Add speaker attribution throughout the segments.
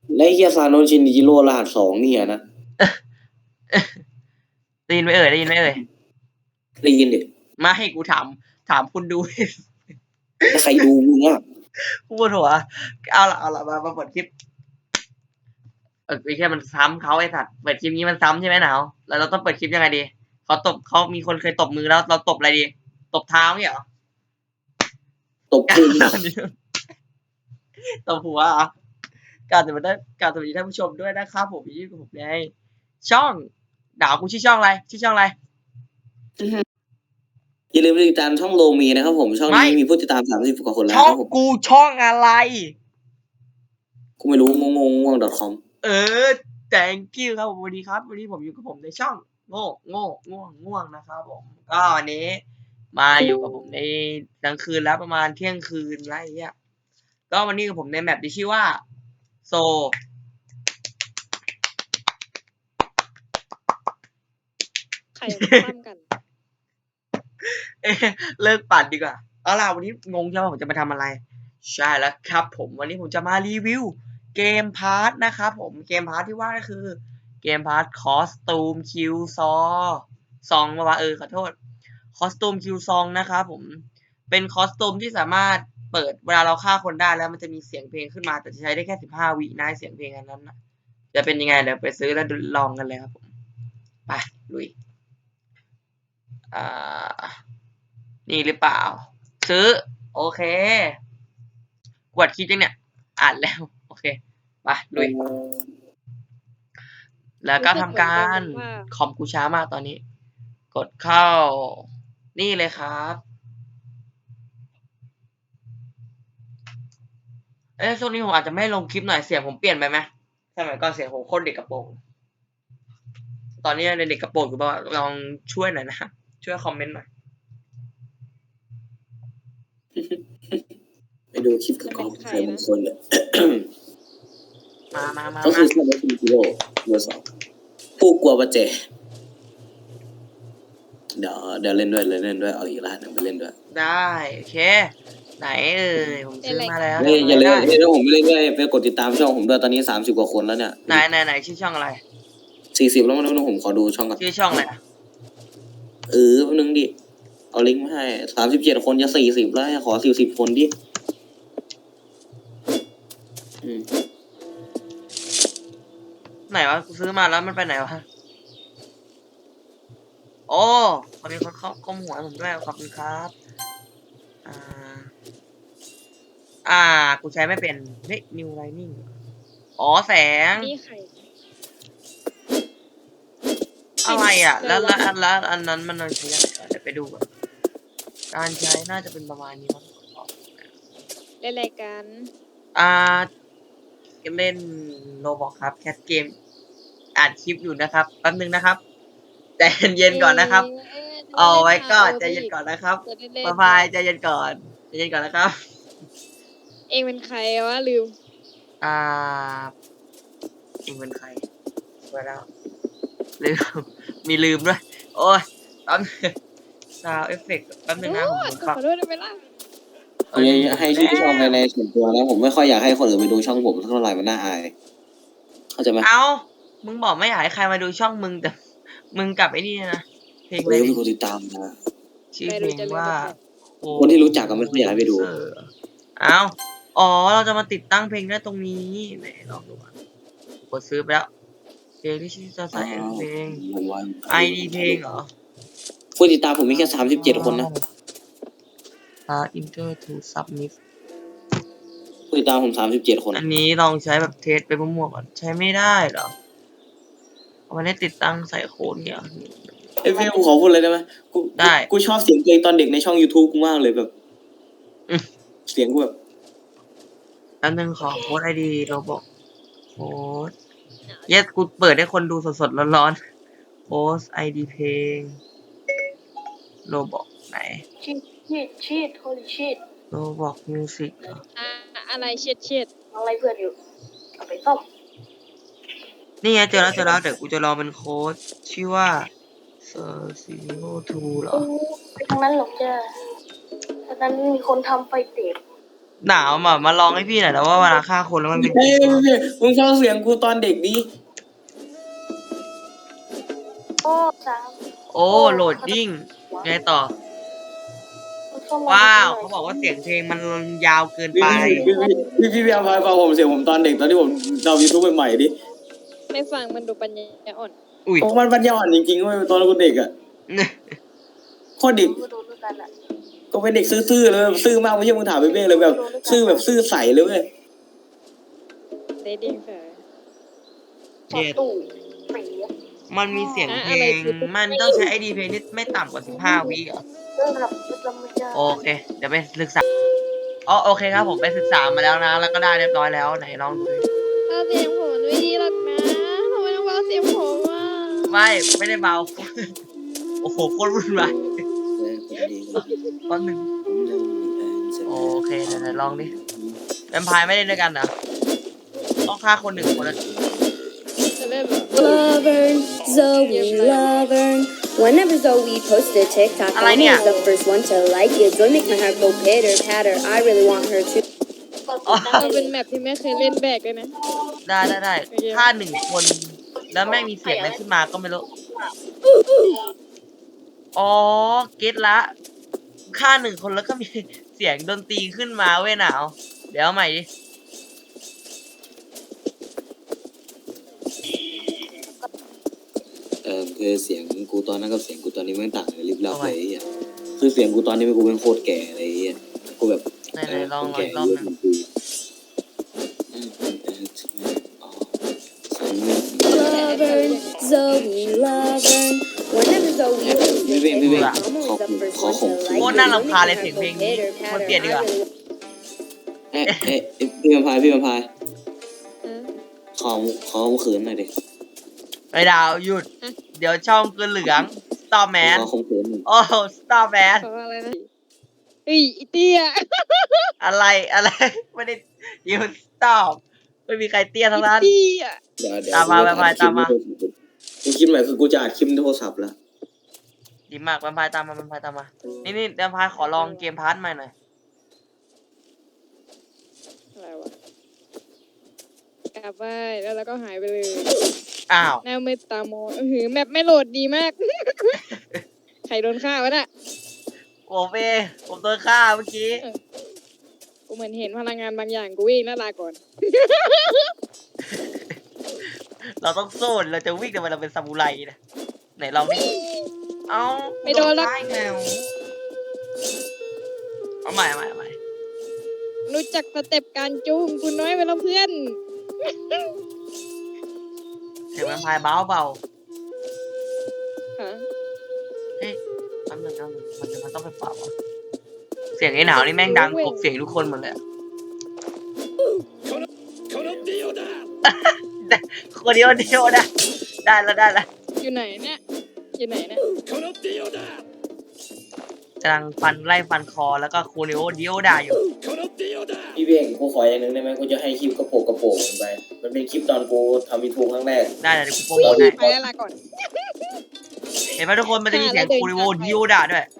Speaker 1: และเฮียซานโนชินจิโร่รหัส2เนี่ยนะ
Speaker 2: ได้ยินไหมเอ่ยได้ยินไหมเอ่ย
Speaker 1: ได้ยินดิ
Speaker 2: มาให้กูถามคุณดู
Speaker 1: ใครดูมึงอ่ะ
Speaker 2: พูดหัวเอาละมาเปิดคลิปไอ้แค่มันซ้ำเขาไอ้สัตว์เปิดคลิปนี้มันซ้ำใช่ไหมหนาวแล้วเราต้องเปิดคลิปยังไงดีเขามีคนเคยตบมือแล้วเราตบอะไรดีตบเท้าเนี่ยเหรอ
Speaker 1: ตบพุง
Speaker 2: ตบหัวการจะมาได้การสวัสดีท่านผู้ชมด้วยนะครับผมอยู่กับผมในช่องดาวกูชื่อช่องอะไร
Speaker 1: อย่าลืมติดตามช่องโลมีนะครับผมช่องนี้มีผู้ติดตาม30 กว่าคนแล้ว
Speaker 2: ช่อ
Speaker 1: ค
Speaker 2: ง
Speaker 1: รับผม
Speaker 2: กูช่องอะไร
Speaker 1: กูไม่รู้ง่วง .com
Speaker 2: thank you ครับผมวันนี้ครับวันนี้ผมอยู่กับผมในช่องง่วงนะครับผมก็วันนี้มาอยู่กับผมในกลางคืนแล้วประมาณเที่ยงคืนอะไรอย่างเงี้ยก็วันนี้กับผมในแมปที่ชื่อว่าโซ
Speaker 3: ใครมาปั้มกัน
Speaker 2: เลิกปั่นดีกว่าเอาล่ะวันนี้งงใช่ไหมผมจะมาทำอะไรใช่แล้วครับผมวันนี้ผมจะมารีวิวเกมพาร์ทนะครับผมเกมพาร์ทที่ว่าก็คือเกมพาร์ทคอสตูมคิวซองมาว่าขอโทษคอสตูมคิวซองนะครับผมเป็นคอสตูมที่สามารถเปิดเวลาเราฆ่าคนได้แล้วมันจะมีเสียงเพลงขึ้นมาแต่จะใช้ได้แค่15 วินะเสียงเพลงอันนั้นนะจะเป็นยังไงเดี๋ยวไปซื้อแล้วลองกันเลยครับผมไปลุยนี่หรือเปล่าซื้อโอเคกดคิดยังเนี่ยอ่านแล้วโอเคไปลุยแล้วก็ทำการคอมกูช้ามากตอนนี้กดเข้านี่เลยครับช่วงนี้ผมอาจจะไม่ลงคลิปหน่อยเสียงผมเปลี่ยนไปไหมสมัยก่อนเสียงผมโคตรเด็กกระโปรงตอนนี้ในเด็กกระโปรงอยู่บ้างลองช่วยหน่อยนะช่วยคอมเมนต์หน่อย
Speaker 1: ไปดูคลิปกับกองใครบางคนเลย
Speaker 2: มา
Speaker 1: ก็คือซานโนชินจิโร่เบอร์2ผู้กลัวประเจเดี๋ยวเล่นด้วยเอาอีกรหัสหนึ่งไปเล่นด้วย
Speaker 2: ได้โอเคไหนผมซื้อมาแล้ว
Speaker 1: อย่าลืมถ้าผมไม่เล่นด้วยไปกดติดตามช่องผมด้วยตอนนี้30 กว่าคนแล้วเนี่ย
Speaker 2: ไหนชื่อช่องอะไร
Speaker 1: 40แล้วนะผมขอดูช่องก่อน
Speaker 2: ชื่อช่องอะไร
Speaker 1: แป๊บนึงดิเอาลิงก์มาให้37 คนจะ40แล้วขอ40 คนดิ
Speaker 2: ไหนวะกูซื้อมาแล้วมันไปไหนวะโอ้ขอบคุณคนข้อมหัวผมด้วยขอบคุณครับกูใช้ไม่เป็นเฮ้ย New Lightning อ๋อแสง
Speaker 3: นี่ใคร
Speaker 2: อะไรแล้วอันนั้นมันใช้ยังไงเดี๋ยวไปดูก่อนการใช้น่าจะเป็นประมาณนี้มั้ง
Speaker 3: เล่นรายการ
Speaker 2: เล่นโรบอกครับแคสเกมอ่านคลิปอยู่นะครับแป๊บนึงนะครับใจเย็นก่อนนะครับเอาไว้ก็ใจเย็นก่อนนะครับพายใจเย็นก่อนนะครับ
Speaker 3: เองเป็นใครวะลืม
Speaker 2: เองเป็นใครไปแล้วลืมมีลืมด้วยโอ้ยแป๊บซาวเอฟเฟกต์แป๊บนึงนะผม
Speaker 3: ขอโทษได้ไหมล่ะ
Speaker 1: ให้ชื่อช่องในส่วนตัวแล้วผมไม่ค่อยอยากให้คนอื่นไปดูช่องผมเท่าไหร่มันน่าอายเข้าใจไหม
Speaker 2: มึงบอกไม่อยากให้ใครมาดูช่องมึงแต่มึงกลับไอ้นี่นะเพลงอะไร
Speaker 1: มีคนติดตามนะ
Speaker 2: ชื่อเพลงว่า
Speaker 1: คนที่รู้จักก็ไม่ค่อยอยากไปดู
Speaker 2: เราจะมาติดตั้งเพลงได้ตรงนี้ไหนลองดูกดซื้อไปแล้วเพลงที่จะใส่เพลง ID เพลงเหรอ
Speaker 1: ผู้ติดตามผมมีแค่37 คนนะ
Speaker 2: Enter to submit
Speaker 1: ผู้ติดตามผม37 คน
Speaker 2: อันนี้ลองใช้แบบเทสไปมั่วๆก่อนใช้ไม่ได้เหรอมันได้ติดตั้งใส่โค้ดเนี่ย
Speaker 1: พี่กูขอพูดเลยได้ไหมกูชอบเสียงเพลงตอนเด็กในช่อง YouTube กูมากเลยแบบเสียงกูแบบ
Speaker 2: อันนึงขอโค้ด ID เราบอกโค้ดกูเปิดให้คนดูสดๆร้อนๆโค้ด ID เพลงโรบอกไหน
Speaker 3: ชีดโฮลิชีด
Speaker 2: โรบอกมิวสิก
Speaker 3: อะไรเช็ด
Speaker 4: อะไรเพื่อนอยู่เอาไปต้ม
Speaker 2: นี่ไงเจอแล้วเดี๋ยวกูจะลองเป็นโค้ดชื่อว่า02เหรอ
Speaker 4: ไปทางนั้นหรอกจ้าตอนนั้นมีคนทำไฟติด
Speaker 2: หนาวมาลองให้พี่หน่อยแล้วว่าเวลาฆ่าคนแล้วมันเป็น
Speaker 1: เฮ้ยมึงฟังเสียงกูตอนเด็กดิ
Speaker 4: โอ้สาม
Speaker 2: โอ้โหลดดิ้งไงต่อ ว้าวเขาบอกว่าเสียงเพลงมันยาวเกินไป
Speaker 1: พี่เอาฟังผมเสียงผมตอนเด็กตอนที่ผมทำยูทูบใหม่ๆดิ
Speaker 3: ไม่ฟังมันดูปัญญาอ่อน
Speaker 2: อุ้ย
Speaker 1: โอ้มันปัญญาอ่อนจริงๆเว้ยตอนเราเด็กอ่ะโคตรเด็ก
Speaker 4: ก็โดนด้วยกันอ่ะ
Speaker 1: ก็เป็นเด็กซื่อๆเลยซื่อมากไม่ใช่มึงถามเบ้เลยแบบซื่อแบบซื่อใสเลยเว้ย
Speaker 3: เดดดิ้งเสย
Speaker 2: เจ็ด
Speaker 4: ตู้ปีอะ
Speaker 2: มันมีเสียงเพล
Speaker 3: อะไร
Speaker 2: ง
Speaker 3: คือ
Speaker 2: มันต้องใช้ไอดีเพลงที่ไม่ต่ำกว่า15 วิเหรอ
Speaker 4: เรื่องแบบมันจะ
Speaker 2: โอเค เดี๋ยวไปศึกษาอ๋อโอเคครับผมไปศึกษามาแล้วนะ แล้วก็ได้เรียบร้อยแล้วไหนลองดูดิ
Speaker 3: เอาเสียงผมมันไม่ดีหรอกนะทำไมต้องเบาเสียงผมอ่ะ
Speaker 2: ไม่ได้เบา โอ้โหโคตรวุ่นวายตอนหนึ่งโอเคเดี๋ยวลองดิแวมไพร์ไม่ได้ด้วยกันเหรอต้องฆ่าคนหนึ่งคนละ
Speaker 3: จะเล่นเหรอ
Speaker 5: Laverne, Zoe, Laverne. Whenever Zoe posts a TikTok, I'm always the first one to like it. Zoe makes my heart go pitter patter. I really want her to.
Speaker 3: มันเป็นแมปที่ไม่เคยเล่นแบกเลยนะ
Speaker 2: ได้ฆ่าหนึ่งคน แล้วแม่งมีเสียงอะไรขึ้นมาก็ไม่รู้ อ๋อเก็ตละฆ่าหนึ่งคนแล้วก็มีเสียงดนตรีขึ้นมาเว้ยหนาวเดี๋ยวเอาใหม่ดิ
Speaker 1: คือเสียงกูตอนนั้นกับเสียงกูตอนนี้ไม่ต่างกันลิบลับเลยไอ่ะคือเสียงกูตอนนี้กูเป็นโคตรแก่อะไรเงี้ยกูแบบ
Speaker 2: ไหนลองอีกรอบหนึง
Speaker 5: Laverne, Zoe, Laverne. Whenever Zoe posts a TikTok, I'm always the first one to like it.
Speaker 2: โคตรน่ารำคาญเลยเสียงเพลงนี้
Speaker 5: Pitter
Speaker 2: ควร
Speaker 5: patter.
Speaker 2: เปลี่ยนดีกว่า
Speaker 1: พี่มันพายพี่มันพาย
Speaker 3: เออ
Speaker 1: ขอขืนหน่อยดิ
Speaker 2: ไอ้ดาวหยุด เดี๋ยวช่องเกินเหลือง Star Man
Speaker 1: ขอข่มขืนหน่อย
Speaker 2: โอ้ Star Man
Speaker 3: เพราะอะไรนะเฮ้ยอีเตี้ย
Speaker 2: อะไรไม่ได้ยูสต็อปไม่มีใครเตี้ยทั้งนั้น
Speaker 3: อีเตี้ย
Speaker 1: เดี๋ยว
Speaker 2: ตามมาไปตามมา
Speaker 1: กูคิดใหม่คือกูจะอัดคลิปในโทรศัพท์แล้ว
Speaker 2: ดีมากแวมไพร์ตามมานี่แวมไพร์ขอลองเกมพาร์ทใหม่หน่อย
Speaker 3: อะไรวะกลับไปแล้วเราก็หายไปเลย
Speaker 2: อ้าว
Speaker 3: หน้ามืดตาโมแมปไม่โหลดดีมาก ใครโดนฆ่าวะน่ะ
Speaker 2: ผมโดนฆ่าเมื่อกี้
Speaker 3: กูเหมือนเห็นพลังงานบางอย่างกูวิ่งแล้วลาก่อน
Speaker 2: เราต้องสู้เราจะวิ่งแต่เราเป็นซามูไรนะไหนลองดิเอา
Speaker 3: ไม่โดนหรอก
Speaker 2: ฆ่าอีกแล้วเอาใหม่
Speaker 3: รู้จักสเต็ปการจูงกูน้อยไปแล้วเพื่อน
Speaker 2: เสียงแวมไพร์เบา
Speaker 3: ฮะ
Speaker 2: เฮ้ยแป๊บนึงมันต้องไปปรับวะเสียงไอ้หนาวนี่แม่งดังกบเสียงทุกคนหมดเลยอะคนเดียวนะได้แล้ว
Speaker 3: อยู่ไหนเนี่ยอยู่ไหนเนี่ย
Speaker 2: กำลังไล่ฟันคอแล้วก็โคเรโอเดียวด่าอยู่
Speaker 1: พี่เบ้งกูขออย่างหนึงได้ไหมกูจะให้คลิปกระโปงมันไปมันเป็นคลิปตอนกูทำยูทูบครั้งแรก
Speaker 2: ได้เดี๋ยวกูโปรโมทให้
Speaker 3: ไปแล้วลาก่อน
Speaker 2: เห็นไหมทุกคนมันจะมีเสียงโคเรโอเดียวด่าด้วย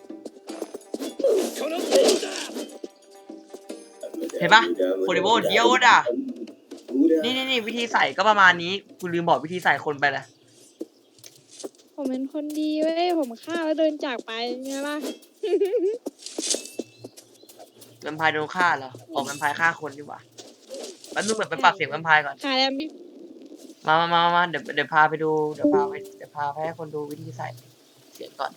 Speaker 2: เห็นปะโคเรโอเดียวด่านี่วิธีใส่ก็ประมาณนี้คุณลืมบอกวิธีใส่คนไปแล้ว
Speaker 3: ผมเป็นคนดีเว้ยผมฆ่าแล้วเดินจากไปไงล่ะ
Speaker 2: แวมไพร์โดนฆ่าเหรอออกแวมไพร์ฆ่าคนดีกว่าแล้วนึกแบบไปปรับเสียงแวมไพร์ก่อน
Speaker 3: ฆ่าแล้ว
Speaker 2: มาเดี๋ยวพาไปดูเดี๋ยวพาไปให้คนดูวิธีใส่เสียงก่อน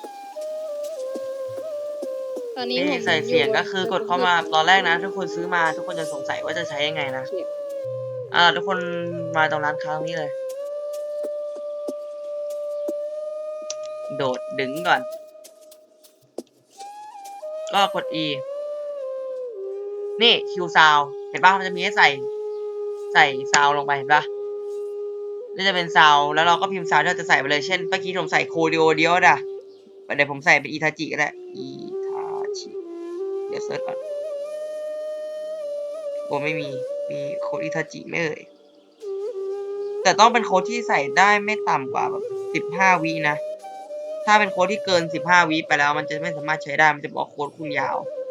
Speaker 3: ตอนนี้
Speaker 2: วิ
Speaker 3: ผ
Speaker 2: ธี
Speaker 3: ม
Speaker 2: ใส่เสียงก็คือกดเข้ามาตอนแรกนะทุกคนซื้อมาทุกคนจะสงสัยว่าจะใช้ยังไงนะทุกคนมาตรงร้านค้าตรงนี้เลย โดดดึงก่อน ก็กด E นี่ Q sound เห็นป่ะมันจะมีให้ใส่ซาวลงไปเห็นป่ะนี่จะเป็นซาวแล้วเราก็พิมพ์ซาวที่เราจะใส่ไปเลยเช่นเมื่อกี้ผมใส่โคดิโอเดียวด่ะเดี๋ยวผมใส่เป็นอีทาจิก็ได้อีทาจิเดี๋ยวเซิร์ชก่อนโอ้ไม่มีโค้ดอีทาจิไม่เอ่ยแต่ต้องเป็นโค้ดที่ใส่ได้ไม่ต่ำกว่าแบบ15 วินะถ้าเป็นโค้ดที่เกิน15 วิไปแล้วมันจะไม่สามารถใช้ได้มันจะบอกโค้ดคุณยาว